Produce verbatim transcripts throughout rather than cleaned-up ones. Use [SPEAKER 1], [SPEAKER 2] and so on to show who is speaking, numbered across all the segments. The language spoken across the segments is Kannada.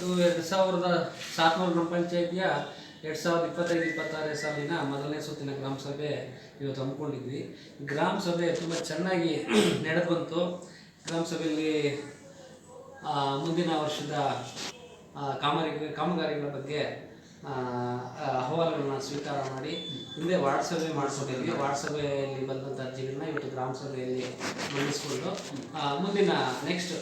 [SPEAKER 1] ಇದು ಎರಡು ಸಾವಿರದ ಸಾತ್ನೂರು ಗ್ರಾಮ ಪಂಚಾಯಿತಿಯ ಎರಡು ಸಾವಿರದ ಇಪ್ಪತ್ತೈದು ಇಪ್ಪತ್ತಾರನೇ ಸಾಲಿನ ಮೊದಲನೇ ಸುತ್ತಿನ ಗ್ರಾಮ ಸಭೆ ಇವತ್ತು ಹಮ್ಮಿಕೊಂಡಿದ್ವಿ. ಗ್ರಾಮ ಸಭೆ ತುಂಬ ಚೆನ್ನಾಗಿ ನಡೆದು ಬಂತು. ಗ್ರಾಮ ಸಭೆಯಲ್ಲಿ ಮುಂದಿನ ವರ್ಷದ ಕಾಮಗಾರಿ ಕಾಮಗಾರಿಗಳ ಬಗ್ಗೆ ಅಹವಾಲುಗಳನ್ನ ಸ್ವೀಕಾರ ಮಾಡಿ ಹಿಂದೆ ವಾರ್ಡ್ ಸಭೆ ಮಾಡಿಸ್ಕೊಂಡಿದ್ವಿ. ವಾರ್ಡ್ ಸಭೆಯಲ್ಲಿ ಬಂದಂಥ ಅರ್ಜಿಗಳನ್ನ ಇವತ್ತು ಗ್ರಾಮ ಸಭೆಯಲ್ಲಿ ಮಂಡಿಸ್ಕೊಂಡು ಮುಂದಿನ ನೆಕ್ಸ್ಟ್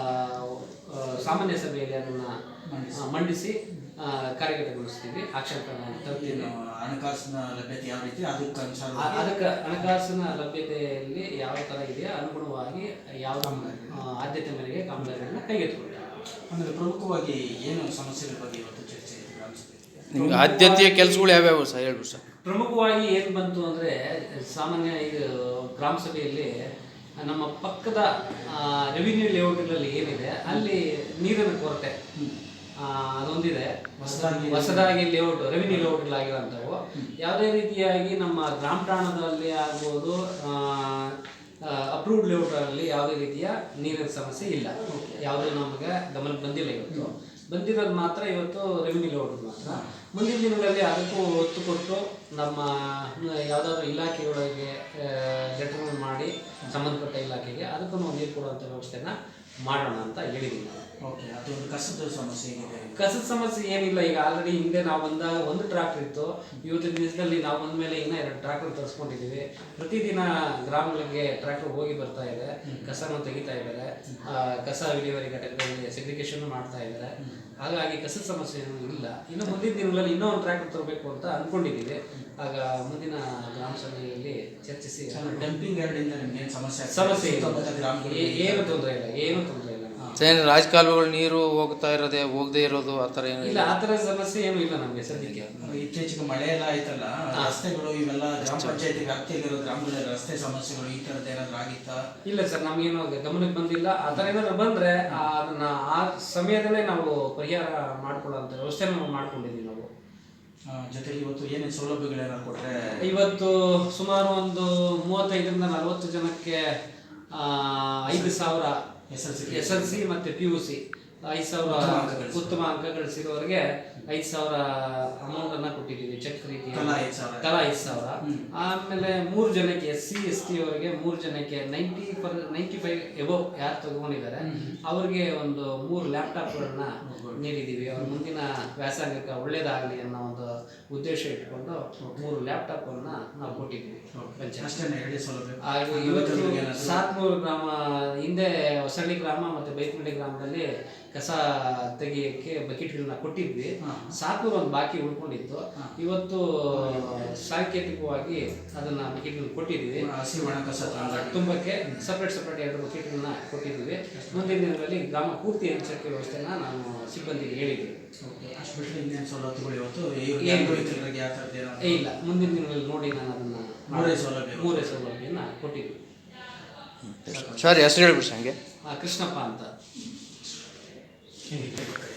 [SPEAKER 1] ಸಾಮಾನ್ಯ ಸಭೆಯಲ್ಲಿ ಅದನ್ನು ಮಂಡಿಸಿ ಕಾರ್ಯಗತಗೊಳಿಸ್ತೀವಿ. ಆಕ್ಷನ್ ತರ್ತೀವಿ.
[SPEAKER 2] ಹಣಕಾಸಿನ ಲಭ್ಯತೆ ಯಾವ ರೀತಿ ಅದಕ್ಕೆ
[SPEAKER 1] ಅದಕ್ಕೆ ಹಣಕಾಸಿನ ಲಭ್ಯತೆಯಲ್ಲಿ ಯಾವ ಥರ ಇದೆಯೋ ಅನುಗುಣವಾಗಿ ಯಾವ ಆದ್ಯತೆ ಮೇರೆಗೆ ಕಾಮಗಾರಿಗಳನ್ನ ಕೈಗೆತ್ತಿಕೊಳ್ಳಿ.
[SPEAKER 2] ಅಂದರೆ ಪ್ರಮುಖವಾಗಿ ಏನು ಸಮಸ್ಯೆಗಳ ಬಗ್ಗೆ ಇವತ್ತು ಚರ್ಚೆ
[SPEAKER 3] ನಿಮ್ಗೆ ಆದ್ಯತೆಯ ಕೆಲಸಗಳು ಯಾವ್ಯಾವ ಸರ್ ಹೇಳ್ಬಿಡಿ ಸರ್.
[SPEAKER 1] ಪ್ರಮುಖವಾಗಿ ಏನು ಬಂತು ಅಂದರೆ ಸಾಮಾನ್ಯ ಈಗ ಗ್ರಾಮ ಸಭೆಯಲ್ಲಿ ನಮ್ಮ ಪಕ್ಕದ ರೆವಿನ್ಯೂ ಲೇಔಟ್ಗಳಲ್ಲಿ ಏನಿದೆ ಅಲ್ಲಿ ನೀರಿನ ಕೊರತೆ ಅದೊಂದಿದೆ. ಹೊಸದಾಗಿ ಲೇಔಟ್ ರೆವಿನ್ಯೂ ಲೇಔಟ್ಗಳಾಗಿರೋಂಥವು ಯಾವುದೇ ರೀತಿಯಾಗಿ ನಮ್ಮ ಗ್ರಾಮ ಠಾಣದಲ್ಲಿ ಆಗ್ಬೋದು ಅಪ್ರೂವ್ಡ್ ಲೇಔಟಲ್ಲಿ ಯಾವುದೇ ರೀತಿಯ ನೀರಿನ ಸಮಸ್ಯೆ ಇಲ್ಲ. ಯಾವುದೂ ನಮಗೆ ಗಮನಕ್ಕೆ ಬಂದಿಲ್ಲ. ಇವತ್ತು ಬಂದಿರೋದು ಮಾತ್ರ ಇವತ್ತು ರೆವಿನ್ಯೂ ಲೇಔಟ್ ಮಾತ್ರ. ಮುಂದಿನ ದಿನಗಳಲ್ಲಿ ಅದಕ್ಕೂ ಒತ್ತು ಕೊಟ್ಟು ನಮ್ಮ ಯಾವುದಾದ್ರೂ ಇಲಾಖೆಯೊಳಗೆ ಲೆಟರ್ ಮಾಡಿ ಸಂಬಂಧಪಟ್ಟ ಇಲಾಖೆಗೆ ಅದಕ್ಕೂ ನೀರು ಕೊಡುವಂಥ ವ್ಯವಸ್ಥೆನ ಮಾಡೋಣ ಅಂತ ಹೇಳಿದ್ದೀನಿ.
[SPEAKER 2] ಓಕೆ, ಅದೊಂದು ಕಸದ ಸಮಸ್ಯೆ ಏನಿದೆ?
[SPEAKER 1] ಕಸದ ಸಮಸ್ಯೆ ಏನಿಲ್ಲ. ಈಗ ಆಲ್ರೆಡಿ ಹಿಂದೆ ನಾವು ಬಂದಾಗ ಒಂದು ಟ್ರ್ಯಾಕ್ಟರ್ ಇತ್ತು. ಇವತ್ತಿನ ದಿವಸದಲ್ಲಿ ನಾವು ಬಂದ ಮೇಲೆ ಇನ್ನೂ ಎರಡು ಟ್ರ್ಯಾಕ್ಟರ್ ತರಿಸ್ಕೊಂಡಿದ್ದೀವಿ. ಪ್ರತಿದಿನ ಗ್ರಾಮಗಳಿಗೆ ಟ್ರ್ಯಾಕ್ಟರ್ ಹೋಗಿ ಬರ್ತಾ ಇದೆ, ಕಸನ ತೆಗಿತಾ ಇದ್ದಾರೆ, ಕಸ ವಿಲೇವಾರಿ ಘಟಕಗಳಲ್ಲಿ ಸೆಗ್ರಿಗೇಷನ್ ಮಾಡ್ತಾ ಇದ್ದಾರೆ. ಹಾಗಾಗಿ ಕಸದ ಸಮಸ್ಯೆ ಏನೂ ಇಲ್ಲ. ಇನ್ನು ಮುಂದಿನ ದಿನಗಳಲ್ಲಿ ಇನ್ನೂ ಒಂದು ಟ್ರ್ಯಾಕ್ಟರ್ ತರಬೇಕು ಅಂತ ಅಂದ್ಕೊಂಡಿದ್ದೀವಿ. ಆಗ ಮುಂದಿನ ಗ್ರಾಮ ಸಭೆಯಲ್ಲಿ ಚರ್ಚಿಸಿ
[SPEAKER 2] ಡಂಪಿಂಗ್ ಯಾರ್ಡಿಂದ ನಿಮ್ಗೆ ಏನು ಸಮಸ್ಯೆ
[SPEAKER 1] ಸಮಸ್ಯೆ ಏನು ತೊಂದರೆ ಇಲ್ಲ, ಏನು ತೊಂದರೆ ಇಲ್ಲ.
[SPEAKER 3] ರಾಜಕಾಲುವೆಗಳು ನೀರು ಹೋಗ್ತಾ ಇರೋದೇ ಹೋಗದೆ ಇರೋದು ಆ ಥರ ಏನು
[SPEAKER 1] ಇಲ್ಲ, ಆ ಥರ ಸಮಸ್ಯೆ ಏನೂ ಇಲ್ಲ ನಮಗೆ ಸದ್ಯಕ್ಕೆ.
[SPEAKER 2] ಇತ್ತೀಚೆಗೆ ಮಳೆ ಎಲ್ಲ ಆಯ್ತಲ್ಲ, ರಸ್ತೆಗಳು ಇವೆಲ್ಲ ಗ್ರಾಮ ಪಂಚಾಯತಿ ವ್ಯಾಪ್ತಿಯಲ್ಲಿರೋ ಗ್ರಾಮಗಳ ರಸ್ತೆ ಸಮಸ್ಯೆಗಳು ಈ ಥರದ್ದು ಏನಾದ್ರು ಆಗಿತ್ತಾ?
[SPEAKER 1] ಇಲ್ಲ ಸರ್, ನಮಗೇನು ಗಮನಕ್ಕೆ ಬಂದಿಲ್ಲ. ಆ ಥರ ಏನಾದ್ರು ಬಂದರೆ ಅದನ್ನ ಆ ಸಮಯದಲ್ಲೇ ನಾವು ಪರಿಹಾರ ಮಾಡ್ಕೊಳ್ಳೋಂಥ ವ್ಯವಸ್ಥೆ ನಾವು ಮಾಡ್ಕೊಂಡಿದ್ದೀವಿ. ನಾವು
[SPEAKER 2] ಜೊತೆಗೆ ಇವತ್ತು ಏನೇನು ಸೌಲಭ್ಯಗಳೇನಾದ್ರು ಕೊಟ್ಟರೆ?
[SPEAKER 1] ಇವತ್ತು ಸುಮಾರು ಒಂದು ಮೂವತ್ತೈದರಿಂದ ನಲವತ್ತು ಜನಕ್ಕೆ ಐದು ಸಾವಿರ S L C S L C ಮತ್ತು ಪಿ ಯು ಸಿ ಐದು ಸಾವಿರ ಉತ್ತಮ ಅಂಕ ಗಳಿಸಿರೋರಿಗೆ ಐದು ಸಾವಿರ ಅಮೌಂಟನ್ನು ಕೊಟ್ಟಿದ್ದೀವಿ. ಚೆಕ್ ರೀತಿ ತಲಾ ಐದು ಸಾವಿರ. ಆಮೇಲೆ ಮೂರು ಜನಕ್ಕೆ ಎಸ್ ಸಿ ಎಸ್ ಟಿ ಅವರಿಗೆ ಮೂರು ಜನಕ್ಕೆ ninety per ninety five above ಯಾರು ತಗೊಂಡಿದ್ದಾರೆ ಅವ್ರಿಗೆ ಒಂದು ಮೂರು ಲ್ಯಾಪ್ಟಾಪ್ಗಳನ್ನ ನೀಡಿದ್ದೀವಿ. ಅವ್ರ ಮುಂದಿನ ವ್ಯಾಸಂಗಕ್ಕೆ ಒಳ್ಳೇದಾಗಲಿ ಅನ್ನೋ ಒಂದು ಉದ್ದೇಶ ಇಟ್ಕೊಂಡು ಮೂರು ಲ್ಯಾಪ್ಟಾಪನ್ನು ನಾವು ಕೊಟ್ಟಿದ್ದೀವಿ. ಇವತ್ತು ಸಾತ್ನೂರು ಗ್ರಾಮ, ಹಿಂದೆ ಹೊಸಳ್ಳಿ ಗ್ರಾಮ ಮತ್ತು ಬೈಕುಂಡಿ ಗ್ರಾಮದಲ್ಲಿ ಕಸ ತೆಗಿಯೋಕ್ಕೆ ಬಕೆಟ್ಗಳನ್ನ ಕೊಟ್ಟಿದ್ವಿ. ಸಾತ್ನೂರು ಒಂದು ಬಾಕಿ ಉಳ್ಕೊಂಡಿತ್ತು. ಇವತ್ತು ಸಾಂಕೇತಿಕವಾಗಿ ಅದನ್ನ ಬಕೆಟ್ಗಳನ್ನ ಕೊಟ್ಟಿದ್ದೀವಿ.
[SPEAKER 2] ಹಸಿ ಒಣ ಕಸ
[SPEAKER 1] ತುಂಬಕ್ಕೆ ಸಪ್ರೇಟ್ ಸಪ್ರೇಟ್ ಎರಡು ಬಕೆಟ್ಗಳನ್ನ ಕೊಟ್ಟಿದ್ದೀವಿ. ಮುಂದಿನ ದಿನಗಳಲ್ಲಿ ಗ್ರಾಮ ಪೂರ್ತಿ ಹಂಚಕ್ಕೆ ವ್ಯವಸ್ಥೆನ ನಾನು ಸಿಬ್ಬಂದಿಗೆ ಹೇಳಿದ್ದೀವಿ. ಇಲ್ಲ, ಮುಂದಿನ ದಿನಗಳಲ್ಲಿ ನೋಡಿ ನಾನು ಅದನ್ನ
[SPEAKER 2] ಮೂರೇ ಸೌಲಭ್ಯ
[SPEAKER 1] ಮೂರೇ ಸೌಲಭ್ಯನ ಕೊಟ್ಟಿದ್ವಿ.
[SPEAKER 3] ಸರ್ ಹೆಸರು ಹೇಳ್ಬಿಡಿ ಹಂಗೆ.
[SPEAKER 1] ಕೃಷ್ಣಪ್ಪ ಅಂತ.
[SPEAKER 2] Hey.